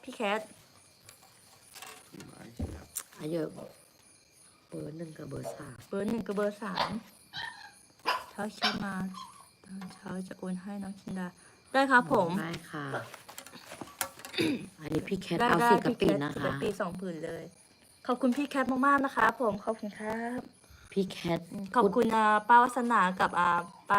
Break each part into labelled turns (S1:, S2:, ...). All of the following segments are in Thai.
S1: พี่แคท
S2: อายุเบอร์ 1กับเบอร์ 3
S1: เบอร์ 1กับเบอร์ 3เช้าเช้ามาตอนเช้าจะโอนให้น้องชินดาได้ครับผม
S2: ได้ค่ะ อันนี้พี่แคท
S1: ได้
S2: เอา
S1: ได้
S2: สีกะ
S1: พี่
S2: ปิ
S1: แคท
S2: นะ
S1: สี
S2: คะ
S1: กะปิ2 ผืนเลย ขอบคุณพี่แคทมากๆนะคะผมขอบคุณครับ
S2: พี่แคท
S1: ขอบคุณป้าวัสนากับป้า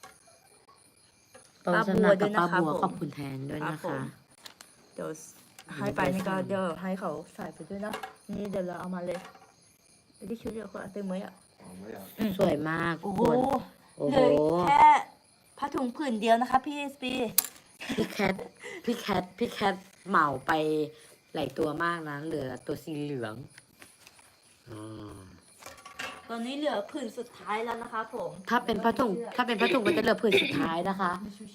S2: ป้าวัฒ
S1: ป้าบั
S2: นาว
S1: ด้
S2: กั
S1: ว
S2: บ
S1: ยนะ
S2: ป้า
S1: คะ
S2: บัว
S1: ผม
S2: ขอบคุณแทนด้วย
S1: ครับ
S2: นะ
S1: ผ
S2: คะ
S1: ม เดี๋ยวให้ไปนี่ก็เดี๋ยวให้เขาใส่ไปด้วยนะนี่เดี๋ยวเราเอามาเลยเดี๋ยวที่ชุดเดียวคนเอาเต็มไหมอ่ะ
S2: สวยมาก
S1: โอ้
S2: ทุก
S1: โห
S2: คนโอ้
S1: เห
S2: โห
S1: ลือแค่ผ้าถุงผืนเดียวนะคะพี่สปี
S2: พี่แคทพี่แคทเหมาไปหลายตัวมากนะ เหลือตัวสีเหลืองอืม
S1: ตอนนี้เหลือผืนสุดท้ายแล้วนะคะผม
S2: ถ้าเป็นผ้าถุงมันจะเหลือผืนสุดท้ายนะคะ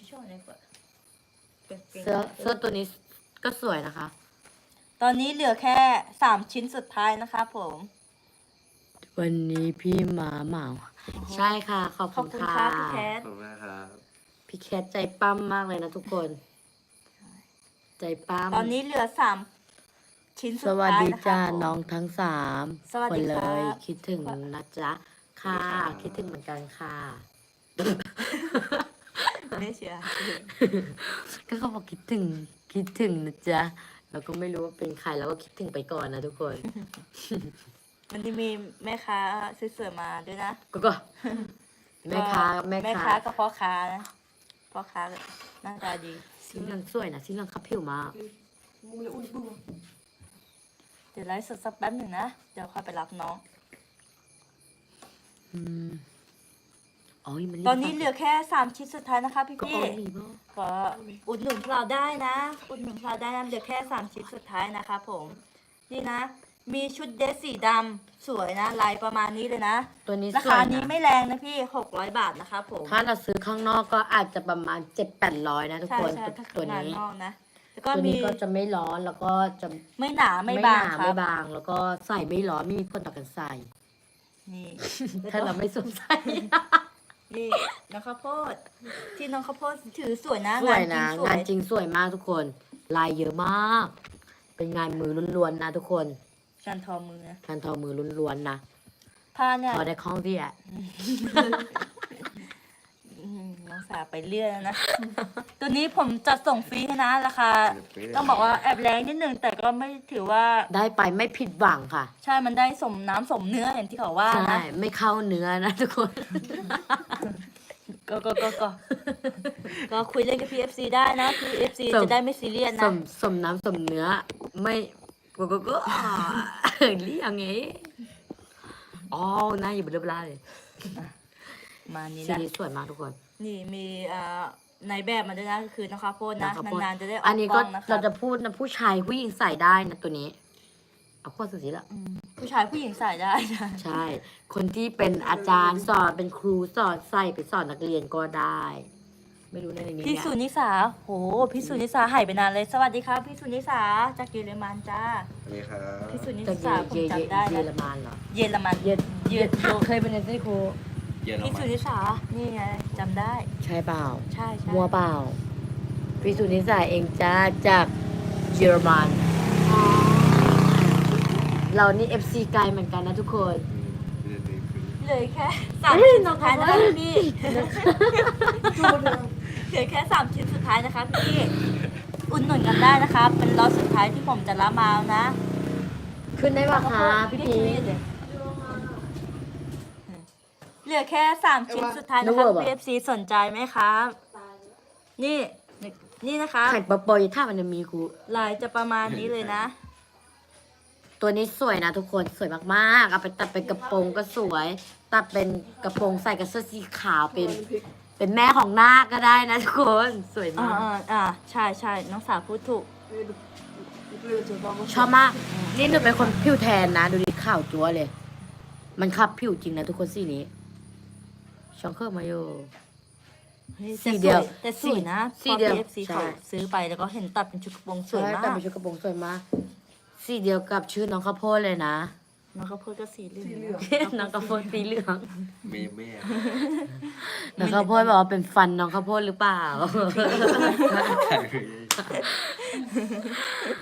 S2: เสื้อตัวนี้ก็สวยนะคะ
S1: ตอนนี้เหลือแค่3 ชิ้นสุดท้ายนะคะผม
S2: วันนี้พี่หมาเหมา ใช่ค่ะ ขอบ
S1: ข
S2: คุ
S1: อบ
S2: ณ
S1: คุณ
S2: ค่ะ
S1: ค่ะพี่แคท
S3: ขอบคุณครับ
S2: พี่แคทใจปั้มมากเลยนะทุกคน ใจปั้ม
S1: ตอนนี้เหลือ3 ชิ้น
S2: ส
S1: สุด
S2: วัส
S1: ท้าย
S2: ดี
S1: นะคะ
S2: จ้า
S1: ผม
S2: น้องทั้งสาม
S1: สวัส
S2: ค
S1: ดี
S2: นเล
S1: ครับ
S2: ย คิดถึงนะจ๊ะ ค่ะ คิดถึงเหมือนกันค่ะ
S1: ไม่เชียร์
S2: ก็เขาบอกคิดถึงนะจ๊ะเราก็ไม่รู้ว่าเป็นใครเราก็คิดถึงไปก่อนนะทุกคน
S1: มันจะมีแม่ค้าสวยๆมาด้วยนะ
S2: ก็แม่ค้า
S1: แม่ค้ากับพ่อค้านะพ่อค้าหน้าตาดี
S2: สีเหลืองสวยนะสีเหลืองขับผิวมาก
S1: เดี๋ยวไลฟ์สดสักแป๊บหนึ่งนะเดี๋ยวค่อยไปรับน้อง
S2: อืมอ๋อมัน
S1: ตอนนี้เหลือแค่3 ชิ้นสุดท้ายนะคะพี่
S2: ก็
S1: พี่
S2: อ๋อมีบ้าง
S1: ก็อุดหนุนเราได้นะอุดหนุนเราได้นะเหลือแค่3 ชิ้นสุดท้ายนะคะผมนี่นะ มีชุดเดรสสีดำสวยนะลายประมาณนี้เลยนะ
S2: ตัวนี้
S1: รา
S2: สว
S1: คาย นี้
S2: นะ
S1: ไม่แรงนะพี่600 บาทนะคะผม
S2: ถ้าเราซื้อข้างนอกก็อาจจะประมาณ700-800นะทุก
S1: ใช่
S2: คน
S1: ใช่ถ้า
S2: ตัว
S1: งาน
S2: นี้
S1: นอกนะแล้วก็
S2: ตัว
S1: มี
S2: นี้ก็จะไม่ร้อนแล้วก็จะ
S1: ไม่หนาไม่บาง
S2: หนา
S1: ครั
S2: ไม่
S1: บบ
S2: าง แล้วก็ใส่ไม่ร้อนไม่มีผลต่อการใส่
S1: นี่
S2: ถ้าเราไม่สวมใส่
S1: นี่น้องข้าวโพดที่น้องข้าวโพดถือสวยนะ
S2: สวยนะ
S1: งาง
S2: าน น
S1: จ
S2: จ
S1: ริ
S2: ริ
S1: ง
S2: งสวยมากทุกคน ลายเยอะมาก เป็นงานมือล้วนๆนะทุกคน
S1: การทอมือนะ
S2: งานทอมือล้วนๆนะ
S1: ผ้าเนี่ย
S2: พอได้คล้องที่อ่ะ
S1: น้องสาวไปเรื่อยแล้วนะ ตัวนี้ผมจัดส่งฟรีให้นะราคาต้องบอกว่าแอบแรงนิดนึงแต่ก็ไม่ถือว่า
S2: ได้ไปไม่ผิดหวังค่ะ
S1: ใช่มันได้สมน้ำสมเนื้ออย่างที่เขาว่า
S2: ใช่
S1: นะ
S2: ไม่เข้าเนื้อนะทุกคน
S1: ก็คุยเล่นกับ PFC ได้นะ PFC
S2: สม
S1: จะได้ไม่ซีเรียส
S2: ส
S1: นะ
S2: มสมน้ำสมเนื้อ ไม่ก็เรียกไงอ๋อหน้าอยู่บนเรือปลาเลย
S1: มานี้
S2: สี
S1: นะ
S2: นี้สวยมากทุกคน
S1: นี่มีในแบบมาด้วยนะก็คือน้องข้าวโพดนะ
S2: ข้าวโพด
S1: นานๆจะได้ออก
S2: อันนี้
S1: ก
S2: ก็
S1: ล้องนะคะ
S2: เราจะพูดนะผู้ชายผู้หญิงใส่ได้นะตัวนี้ เอาโคตรสุดสีละ
S1: ผู้ชายผู้หญิงใส่ได้นะ
S2: ใช่ คนที่เป็นอาจารย์สอนเป็นครูสอนใส่ไปสอนนักเรียนก็ได้ ไม่รู้ในนี้
S1: พี่
S2: เนี่ย
S1: สุนิสาโหพี่สุนิสาหายไปนานเลยสวัสดีครับพี่สุนิสาจากเยอรมันจ้า
S3: สวัสดีครับ
S1: พี่สุนิ
S2: จาก
S1: สาผมจำได้
S2: เยอร
S1: นะ
S2: มันเหรอ
S1: เยอรมัน
S2: เยอ
S1: เยอร
S2: เคยเป็นในครู
S3: เยอร
S1: พี่
S3: มั
S1: สุ
S3: น
S1: นิสานี่ไงจำได้
S2: ใช่เปล่า
S1: ใช่ใช่
S2: มัวเปล่าพี่สุนิสาเองจ้าจากเยอรมันเรานี่ FC ไกลเหมือนกันนะทุกคน
S1: เลยแค่3 ชิ้นสุดท้ายนะคะพี่เหลือแค่3 ชิ้นสุดท้ายนะคะพี่อุ่นหนุนกันได้นะคะ เป็นล็อตสุดท้ายที่ผมจะรับมาแล้วนะ
S2: ขึ้นได้ปะคะพี่พี
S1: เหลือแค่3 ชิ้นสุดท้ายนะคะ PFC สนใจไหมครับนี่นี่นะคะ
S2: ไข่ปะปอยถ้ามันจะมีครู
S1: ลายจะประมาณนี้เลยนะ
S2: ตัวนี้สวยนะทุกคนสวยมากๆเอาไปตัดเป็นกระโปรงก็สวย ตัดเป็นกระโปรงใส่กับเสื้อสีขาวเป็นแม่ของนาคก็ได้นะทุกคนสวย
S1: อ่าม
S2: าก
S1: ใช่ใช่น้องสาวพูดถูก
S2: ชอบมาก นี่หนูเป็นคนผิวแทนนะ ดูดิข่าวจั๊วเลย มันขับผิวจริงนะทุกคนสีนี้ช่องเครื่องมาอยู่ สีเดียว
S1: แต่สวยนะ
S2: สี
S1: พอ
S2: เดียว
S1: PFC
S2: ใช่
S1: เขาซื้อไปแล้วก็เห็นตัดเป็นชุดกระโปรงสวย
S2: ใช่
S1: มา
S2: แต่
S1: ก
S2: เป็นชุดกระโปรงสวยมากสีเดียวกับชื่อน้องข้าวโพดเลยนะ
S1: น้องข้าวโพดก็สีเหลือง
S2: น้องข้าวโพดสีเหลือง
S3: เมย์แม่
S2: น้องข้าวโพดบอกว่าเป็นฟันน้องข้าวโพดหรือเปล่า
S3: ใคร